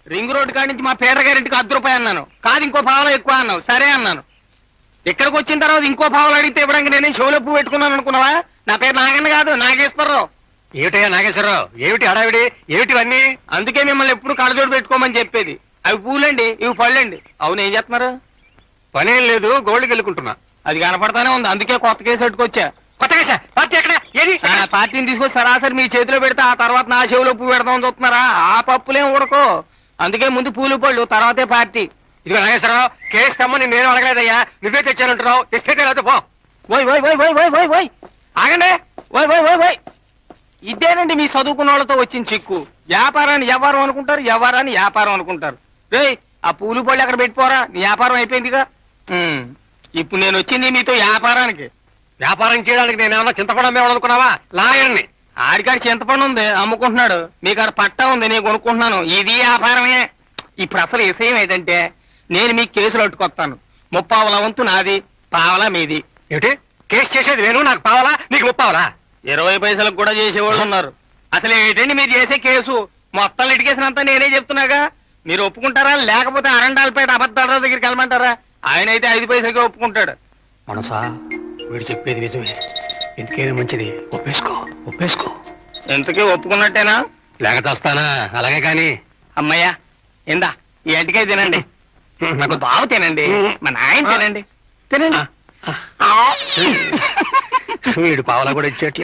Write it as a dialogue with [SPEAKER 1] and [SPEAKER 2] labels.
[SPEAKER 1] Ring road కాడి నుంచి మా పేద గారింటికి 10 రూపాయలు అన్నాను. కాదు ఇంకో పావలా ఎక్కువ అన్నావు. సరే అన్నాను. ఇక్కడికి వచ్చిన తర్వాత ఇంకో పావలు అడిగితే ఇవ్వడానికి నేనే చెవులో పువ్వు పెట్టుకున్నాను అనుకున్నావా? నా పేరు నాగన్న కాదు, నాగేశ్వరరావు.
[SPEAKER 2] ఏమిటయ్యా నాగేశ్వరరావు, ఏమిటి హడావిడి, ఏమిటివన్నీ?
[SPEAKER 1] అందుకే మిమ్మల్ని ఎప్పుడు కళ్ళజోడు పెట్టుకోమని చెప్పేది. అవి పూలండి, ఇవి పళ్ళండి. అవును, ఏం చేస్తున్నారు?
[SPEAKER 2] పనేం లేదు, గోల్డ్కి వెళ్ళుకుంటున్నా.
[SPEAKER 1] అది కనపడతానే ఉంది, అందుకే కొత్త కేసు పెట్టుకొచ్చా.
[SPEAKER 2] కొత్త కేసా? పార్టీ ఎక్కడ? ఏది?
[SPEAKER 1] పార్టీని తీసుకొచ్చి సరాసరి మీ చేతిలో పెడితే ఆ తర్వాత నా చెవిలో పువ్వు పెడదామని చూస్తున్నారా? ఆ పప్పులేం ఉడకో. అందుకే ముందు పూలు పళ్ళు, తర్వాతే పార్టీ.
[SPEAKER 2] ఇదిగో నాగేశ్వరరావు, కేసు తెమ్మని నేను అడగలేదయ్యా, నువ్వే తెచ్చానంటున్నావు. ఇస్తే లేదా పో.
[SPEAKER 1] ఓయ్ ఓయ్ ఓయ్ ఓయ్ ఓయ్ ఓయ్ ఓయ్ ఆగండి. ఓయ్ ఓయ్ ఓయ్ ఓయ్ ఇదేనండి మీ చదువుకున్న వాళ్ళతో వచ్చిన చిక్కు. వ్యాపారాన్ని వ్యవహారం అనుకుంటారు, వ్యవహారాన్ని వ్యాపారం అనుకుంటారు. రేయ్, ఆ పూలు పళ్ళు అక్కడ పెట్టిపోరా, నీ వ్యాపారం అయిపోయిందిగా. ఇప్పుడు నేను వచ్చింది మీతో వ్యాపారానికి.
[SPEAKER 2] వ్యాపారం చేయడానికి నేనేమన్నా చింతపడం అమ్మేవాళ్ళనుకున్నావా? లాయర్ని.
[SPEAKER 1] ఆడికాడ చింతపండు ఉంది, అమ్ముకుంటున్నాడు. మీకాడ పట్టా ఉంది, నేను కొనుక్కుంటున్నాను. ఇది వ్యాపారమే. ఇప్పుడు అసలు విషయం ఏంటంటే, నేను మీకు కేసులు అట్టుకొస్తాను. 30 వంతు నాది, పావలా మీది.
[SPEAKER 2] ఏమిటి? కేసు చేసేది నేను, నాకు పావాలా, నీకు 30.
[SPEAKER 1] 20 పైసలకు కూడా చేసేవాళ్ళు ఉన్నారు. అసలు ఏంటండి మీరు చేసే కేసు? మొత్తం లిటికేసినంతా నేనే చెప్తున్నాగా. మీరు ఒప్పుకుంటారా, లేకపోతే అరండాలపేట అబద్ధాలరావు దగ్గరికి వెళ్ళమంటారా? ఆయన అయితే 5 పైసలకే ఒప్పుకుంటాడు.
[SPEAKER 2] మనసా, వీడు చెప్పేది నిజమే. ఎందుకైనా మంచిది, ఒప్పేసుకో ఒప్పేసుకో.
[SPEAKER 1] ఎంతకీ ఒప్పుకున్నట్టేనా?
[SPEAKER 2] లేక చేస్తానా? అలాగే కాని.
[SPEAKER 1] అమ్మయ్యా, ఇందా ఈ ఎంటికే తినండి. నాకు బావు తినండి, మా నాయన తినండి. తినండి.
[SPEAKER 2] వీడు పావలా కూడా ఇచ్చేట్లే.